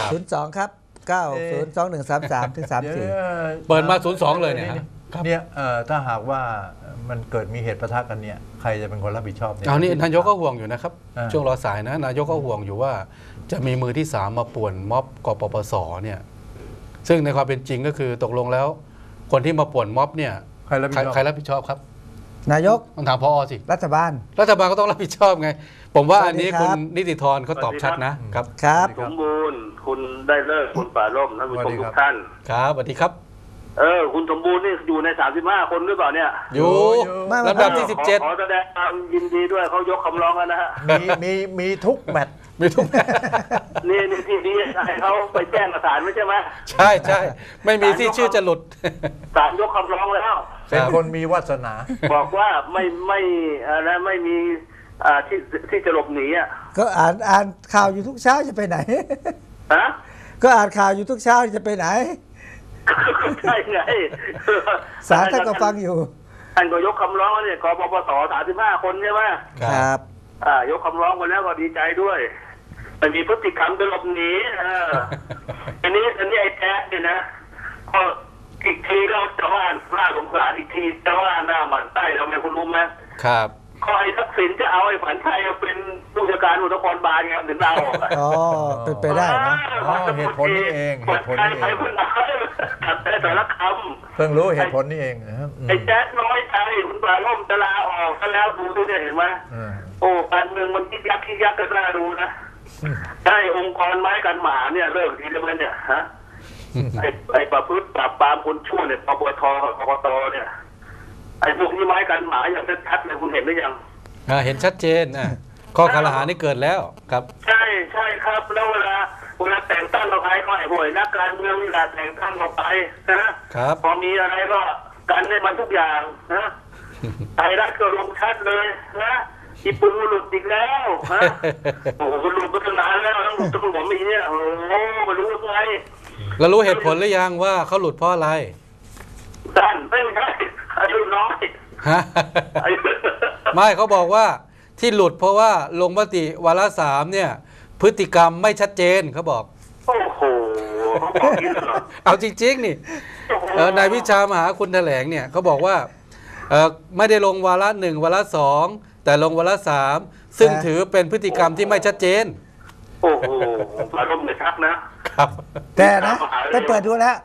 02ครับ902133ถึง34 เปิดมา02เลยเนี่ยเนี่ยถ้าหากว่ามันเกิดมีเหตุปะทะกันเนี่ยใครจะเป็นคนรับผิดชอบเนี่ยนี่นายกก็ห่วงอยู่นะครับช่วงรอสายนะนายกก็ห่วงอยู่ว่าจะมีมือที่3มาป่วนม็อบกปปสเนี่ยซึ่งในความเป็นจริงก็คือตกลงแล้วคนที่มาป่วนม็อบเนี่ยใครรับผิดชอบครับนายกต้องถามพอสิรัฐบาลก็ต้องรับผิดชอบไงผมว่าอันนี้คุณนิติธรเขาตอบชัดนะครับสมบูรณ์คุณได้เลิกคุณป่าร่มท่านผู้ชมทุกท่านครับสวัสดีครับคุณสมบูรณ์นี่อยู่ใน35คนหรือเปล่าเนี่ยอยู่ลำดับที่17 ขอแสดงความยินดีด้วยเขายกคำร้องแล้วนะฮะมีทุกแมตช์นี่ที่ให้เขาไปแจ้งกับศาลไม่ใช่ไหมใช่ไม่มีที่ชื่อจะหลุดศาลยกคำร้องแล้วเป็นคนมีวาสนาบอกว่าไม่มีที่จะหลบหนีก็อ่านข่าวอยู่ทุกเช้าจะไปไหนก็อ่านข่าวอยู่ทุกเช้าจะไปไหนใช่ไงศาลท่านก็ฟังอยู่ท่านก็ยกคำร้องเนี่ยกปปส35คนใช่ไหมครับยกคำร้องมาแล้วก็ดีใจด้วยมันมีพฤติกรรมจะหลบหนีอันนี้ไอ้แท้เนี่ยนะก็อีกทีก็จะว่าหน้าสงสารอีกทีจะว่าหน้าหมันไส้ทำไมคุณรู้ไหมครับก็ไอ้ทักษิณจะเอาไอ้ฝันชัยเป็นผู้จัดการอุตสาหกรรมบาลไงถึงดาวเป็นไปได้นะเหตุผลนี้เองเหตุผลนี้เองแต่ละคำเพิ่งรู้เหตุผลนี้เองไอ้แจ๊ดน้อยใจคุณป่าร่มจะลาออกก็แล้วดูด้วยเห็นไหมการเมืองมันคิดยักก็น่าดูนะได้องค์กรไม้กันหมาเนี่ยเลิกทีแล้วมันเนี่ยฮะไอ้ประพฤติปราบปรามคนชั่วเนี่ยปปทกกตเนี่ยไอ้พวกนี้ไม้กันหมาอย่างชัดๆเลยคุณเห็นหรือยังเห็นชัดเจนข้อกล่าวหานี่เกิดแล้วครับใช่ครับแล้วเวลาแต่งตั้งเราใครก็ไอ้ห่วยนักการเมืองเวลาแต่งตั้งเราไปนะครับพอมีอะไรก็กันได้มันทุกอย่างนะไทยรัฐก็ลงชัดเลยนะอีปูหลุดอีกแล้วฮะโอ้โหหลุดมาตั้งนานแล้วต้องหลุดต้องผมอีเนี่ยโอ้ไม่รู้ไงแล้วรู้เหตุผลหรือยังว่าเขาหลุดเพราะอะไรด้านไม่ใช่อายุน้อยไม่เขาบอกว่าที่หลุดเพราะว่าลงมติวาระ3เนี่ยพฤติกรรมไม่ชัดเจนเขาบอกโอ้โหเอาจริงๆนี่นายวิชามหาคุณแถลงเนี่ยเขาบอกว่าไม่ได้ลงวาระ1วาระ2แต่ลงวาระ3ซึ่งถือเป็นพฤติกรรมที่ไม่ชัดเจนโอ้โหอารมณ์เลยชักนะครับแต่นะไปเปิดดูแล้ว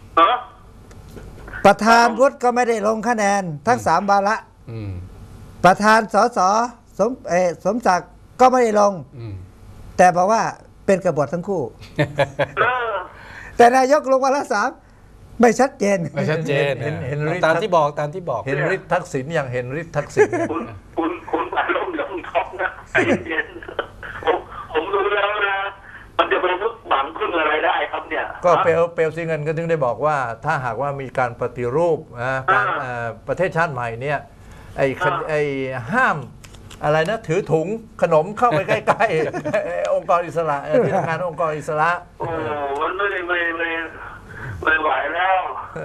ประธานวุฒิก็ไม่ได้ลงคะแนนทั้ง3วาระประธานสสสมศักดิ์ก็ไม่ได้ลงแต่บอกว่าเป็นกบฏทั้งคู่แต่นายกลงวาระ3ไม่ชัดเจนเห็นตามที่บอกเห็นฤทธิ์ทักษิณอย่างเห็นฤทธิ์ทักษิณคุณอารมณ์ยังท็อปนะเย็นผมรู้แล้วนะมันจะเป็นทุกหวังพึ่งอะไรได้ครับเนี่ยก็เปลวสีเงินก็ถึงได้บอกว่าถ้าหากว่ามีการปฏิรูปการประเทศชาติใหม่เนี่ยไอ้ห้ามอะไรนะถือถุงขนมเข้าไปใกล้ๆองค์กรอิสระที่ทำงานองค์กรอิสระโอ้มันไม่ไหวแล้ว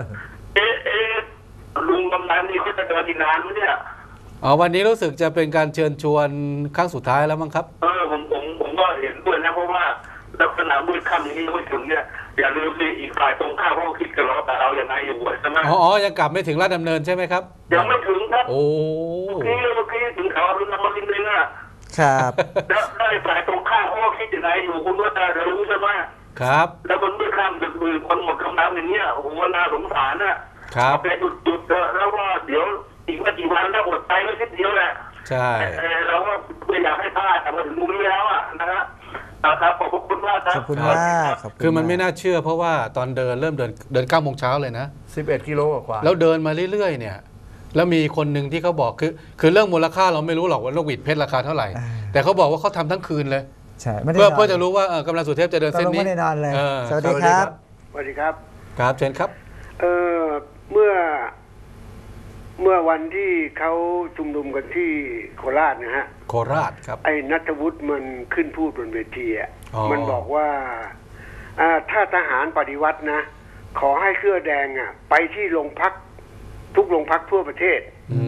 ลุงกำนันนี่เขาจะเดินอีกนานไหมเนี่ยวันนี้รู้สึกจะเป็นการเชิญชวนครั้งสุดท้ายแล้วมั้งครับผมก็เห็นด้วยนะเพราะว่าลักษณะมืดค่ำอย่างนี้ยังไม่ถึงเนี่ยอย่าลืมสิอีกฝ่ายตรงข้ามเขาคิดกันแล้วแต่เราอย่างไรอยู่ใช่ไหมยังกลับไม่ถึงราชดำเนินใช่ไหมครับยังไม่ถึงครับโอ้เมื่อกี้ถึงเขาอรุณอมรินทร์เลยครับแล้วได้ฝ่ายตรงข้ามเขาคิดอย่างไรอยู่คุณว่าจะรู้ใช่ไหมครับแล้วมันมืดค่ำดึกดื่นคนหมดกำลังอย่างเงี้ยโอ้โหน่าสงสารนะครับแต่หยุดแล้วว่าเดี๋ยวอีกไม่กี่วันถ้าหมดไปไม่คิดเดียวแหละใช่เราก็ไม่อยากให้พลาดแต่มาถึงมุมนี้แล้วนะครับขอบคุณมากครับขอบคุณมากคือมันไม่น่าเชื่อเพราะว่าตอนเริ่มเดิน9 โมงเช้าเลยนะ 11 กิโลกว่าแล้วเดินมาเรื่อยๆเนี่ยแล้วมีคนหนึ่งที่เขาบอกคือเรื่องมูลค่าเราไม่รู้หรอกว่าลูกหวิดเพชรราคาเท่าไหร่แต่เขาบอกว่าเขาทำทั้งคืนเลยใช่เพื่อจะรู้ว่ากำลังสุเทพจะเดินเส้นนี้ไม่ได้นอนเลยสวัสดีครับสวัสดีครับครับเชิญครับเมื่อวันที่เขาชุมนุมกันที่โคราชนะฮะโคราชครับไอ้ณัฐวุฒิมันขึ้นพูดบนเวทีมันบอกว่าถ้าทหารปฏิวัตินะขอให้เสื้อแดงไปที่โรงพักทุกโรงพักทั่วประเทศ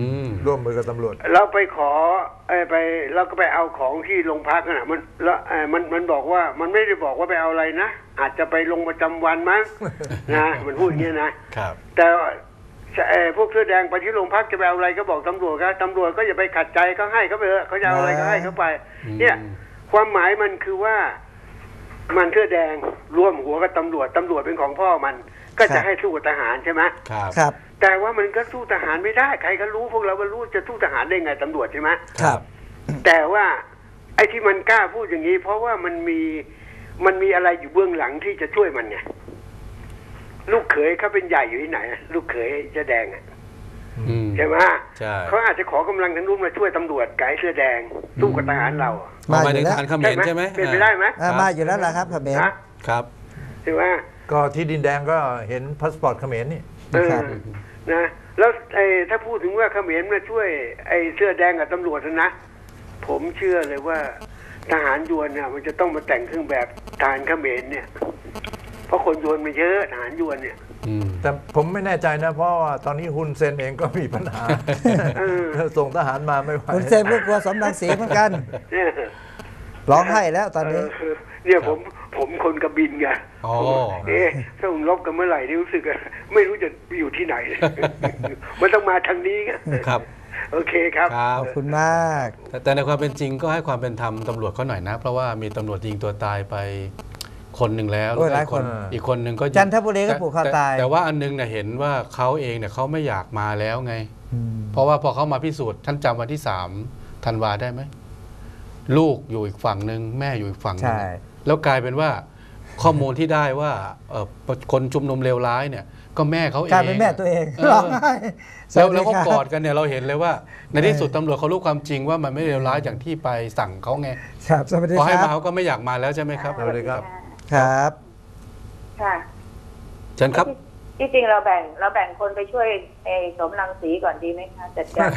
ร่วมมือกับตำรวจเราไปขอไปเราก็ไปเอาของที่โรงพักน่ะแล้วมันบอกว่ามันไม่ได้บอกว่าไปเอาอะไรนะอาจจะไปลงประจำวันมั้ง นะมันพูดอย่างนี้นะครับ แต่พวกเสื้อแดงไปที่โรงพักจะไปเอาอะไรก็บอกตำรวจครับตำรวจก็อย่าไปขัดใจเขาให้เขาไปเถอะเขาจะเอาอะไรก็ให้เขาไป เนี่ยความหมายมันคือว่ามันเสื้อแดงร่วมหัวกับตำรวจเป็นของพ่อมันก็จะให้สู้กับทหารใช่ไหมครับแต่ว่ามันก็สู้ทหารไม่ได้ใครก็รู้พวกเราก็รู้จะสู้ทหารได้ไงตำรวจใช่ไหมครับแต่ว่าไอ้ที่มันกล้าพูดอย่างนี้ เพราะว่ามันมีอะไรอยู่เบื้องหลังที่จะช่วยมันไงลูกเขยเขาเป็นใหญ่อยู่ที่ไหนลูกเขยเสื้อแดงใช่ไหมใช่เขาอาจจะขอกำลังทางนู้นมาช่วยตำรวจไก่เสื้อแดงสู้กับทหารเรามาถึงทหารเขมรใช่ไหมเป็นไปได้ไหมมาอยู่แล้วล่ะครับเขมรครับใช่ไหมก็ที่ดินแดงก็เห็นพาสปอร์ตเขมรนี่ครับนะแล้วถ้าพูดถึงว่าเขมรมาช่วยไอ้เสื้อแดงกับตำรวจนะผมเชื่อเลยว่าทหารยวนเนี่ยมันจะต้องมาแต่งเครื่องแบบทหารเขมรเนี่ยเพราะคนยวนมันเยอะทหารยวนเนี่ยแต่ผมไม่แน่ใจนะเพราะว่าตอนนี้ฮุนเซนเองก็มีปัญหาส่งทหารมาไม่ไหวคุณเซมก็กลัวสมรังสีเหมือนกันเนี่ยร้องไห้แล้วตอนนี้เนี่ยผมคนกระบินไงอ๋อถ้าผมลบกันเมื่อไหร่นี่รู้สึกไม่รู้จะอยู่ที่ไหน มันต้องมาทางนี้ไงครับโอเคครับขอบคุณมากแต่ในความเป็นจริงก็ให้ความเป็นธรรมตำรวจเขาหน่อยนะ เพราะว่ามีตำรวจยิงตัวตายไปคนหนึ่งแล้วโอ้ยหลายคนอีกคนหนึ่งก็จันทบุรีก็ผูกคอตายแต่ว่าอันนึงเนี่ยเห็นว่าเขาเองเนี่ยเขาไม่อยากมาแล้วไง เพราะว่าพอเขามาพิสูจน์ท่านจำวันที่3 ธันวาได้ไหมลูกอยู่อีกฝั่งหนึ่งแม่อยู่อีกฝั่งหนึงใช่แล้วกลายเป็นว่าข้อมูลที่ได้ว่าคนชุมนุมเลวร้ายเนี่ยก็แม่เขาเองกลายเป็นแม่ตัวเองเออร้องไห้แล้วเขาสสดีครับกอดกันเนี่ยเราเห็นเลยว่า ในที่สุดตำรวจเขารู้ความจริงว่ามันไม่เลวร้ายอย่างที่ไปสั่งเขาไงครับสวัสดีพอให้คมารับเขาก็ไม่อยากมาแล้วใช่ไหมครับสวัสดีครับครับค่ะเชิญครับที่จริงเราแบ่งคนไปช่วยไอ้สมรังสีก่อนดีไหมคะจัดการ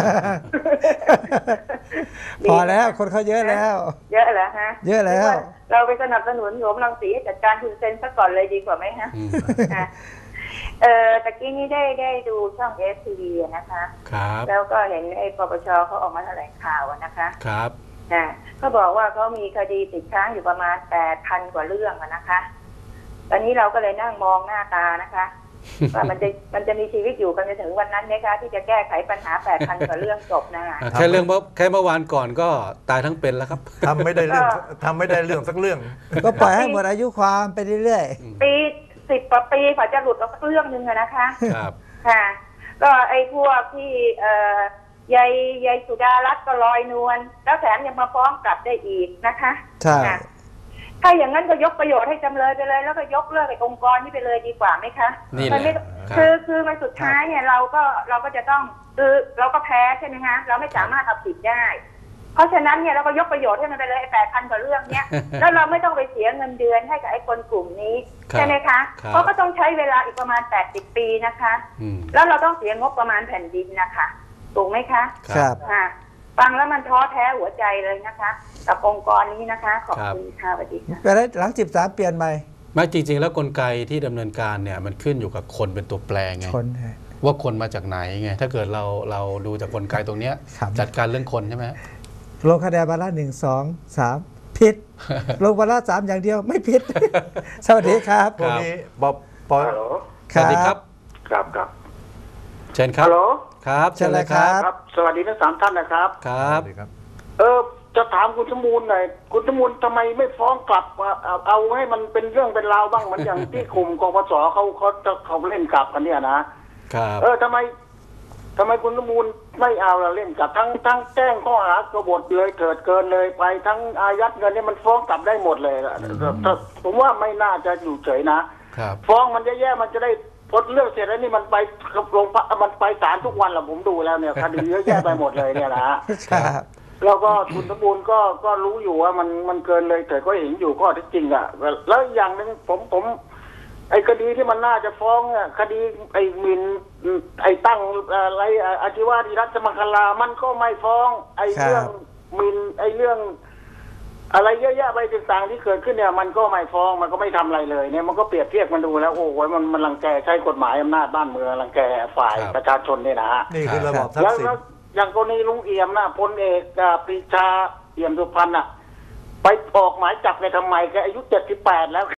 พอแล้วคนเขาเยอะแล้วเยอะแล้วฮะเยอะแล้วเราไปสนับสนุนสมรังสีให้จัดการคุณเซนซะก่อนเลยดีกว่าไหมฮะ ค่ะตะกี้นี้ได้ดูช่อง STV นะคะครับแล้วก็เห็นไอ้ปปชเขาออกมาแถลงข่าวนะคะครับเขาบอกว่าเขามีคดีติดค้างอยู่ประมาณ 8,000 กว่าเรื่องนะคะ ตอนนี้เราก็เลยนั่งมองหน้าตานะคะว่ามันจะมีชีวิตอยู่กันจนถึงวันนั้นไหมคะที่จะแก้ไขปัญหา 8,000 กว่าเรื่องจบนะคะแค่เมื่อวานก่อนก็ตายทั้งเป็นแล้วครับทำไม่ได้เรื่องสักเรื่องก็ปล่อยให้หมดอายุความไปเรื่อยปี10 กว่าปีกว่าจะหลุดออกสักเรื่องหนึ่งอะนะคะครับค่ะ ก็ไอ้พวกที่ยายสุดารัตน์ก็ลอยนวลแล้วแถมยังมาฟ้องกลับได้อีกนะคะๆ ใช่ค่ะถ้าอย่างนั้นก็ยกประโยชน์ให้จำเลยไปเลย แล้วก็ยกเลิกไอ้องค์กรนี้ไปเลยดีกว่าไหมคะนี่แหละมันไม่ครับคือมันสุดท้ายเนี่ยเราก็จะต้องคือเราก็แพ้ใช่ไหมคะเราไม่สามารถเอาผิดได้ เพราะฉะนั้นเนี่ยเราก็ยกประโยชน์ให้มันไปเลยไอ้8,000 กว่าเรื่องเนี้ย แล้วเราไม่ต้องไปเสียเงินเดือนให้กับไอ้คนกลุ่มนี้ใช่ไหมคะเพราะก็ต้องใช้เวลาอีกประมาณ80 ปีนะคะแล้วเราต้องเสียงบประมาณแผ่นดินนะคะถูกไหมคะครับค่ะฟังแล้วมันท้อแท้หัวใจเลยนะคะกับองค์กรนี้นะคะขอบคุณค่ะสวัสดีค่ะไปได้หลัง13เปลี่ยนใหม่ไม่จริง ๆ แล้วกลไกที่ดำเนินการเนี่ยมันขึ้นอยู่กับคนเป็นตัวแปรไงคนว่าคนมาจากไหนไงถ้าเกิดเราดูจากกลไกตรงเนี้ยครับจัดการเรื่องคนใช่ไหมลงคะแนนวาระ1 2 3ผิด ลงวาระ3อย่างเดียวไม่ผิด สวัสดีครับพวกนี้ปอฮัลโหลสวัสดีครับครับเชิญครับฮัลโหลครับเชิญเลยครับครับ สวัสดีทั้ง3 ท่านนะครับครับจะถามคุณสมูลหน่อยคุณสมูลทำไมไม่ฟ้องกลับเอาให้มันเป็นเรื่องเป็นราวบ้างเหมือนอย่างที่กลุ่มกปสเขาเล่นกลับกันเนี่ยนะครับทำไมคุณสมูลไม่เอาละเล่นกลับทั้งแจ้งข้อหากบฏเลยเถิดเกินเลยไปทั้งอายัดเงินเนี่ยมันฟ้องกลับได้หมดเลยผมว่าไม่น่าจะอยู่เฉยนะครับฟ้องมันแย่ๆมันจะได้พอเรื่องเสร็จแล้วนี่มันไปโรงพักมันไปศาลทุกวันแหละผมดูแล้วเนี่ยคดีเยอะแยะไปหมดเลยเนี่ยนะครับแล้วก็คุณสมบูรณ์ก็รู้อยู่ว่ามันเกินเลยแต่ก็เห็นอยู่ข้อเท็จจริงอ่ะแล้วอย่างหนึ่งผมไอ้คดีที่มันน่าจะฟ้องอ่ะคดีไอ้หมิ่นไอ้ตั้งอะไรอาชีวะดีรัฐมังคลามันก็ไม่ฟ้องไอ้เรื่องหมิ่นไอ้เรื่องอะไรเยอะแยะไปต่างๆที่เกิดขึ้นเนี่ยมันก็ไม่ฟ้องมันก็ไม่ทำอะไรเลยเนี่ยมันก็เปรียบเทียบมันดูแล้วโอ้โหมันรังแกใช้กฎหมายอำนาจบ้านเมืองรังแกฝ่ายประชาชนเนี่ยนะฮะนี่คือระบอบทักษิณอย่างกรณีลุงเอี่ยมนะพลเอกปรีชาเอี่ยมสุพรรณไปออกหมายจับแกทำไมแกอายุ78แล้ว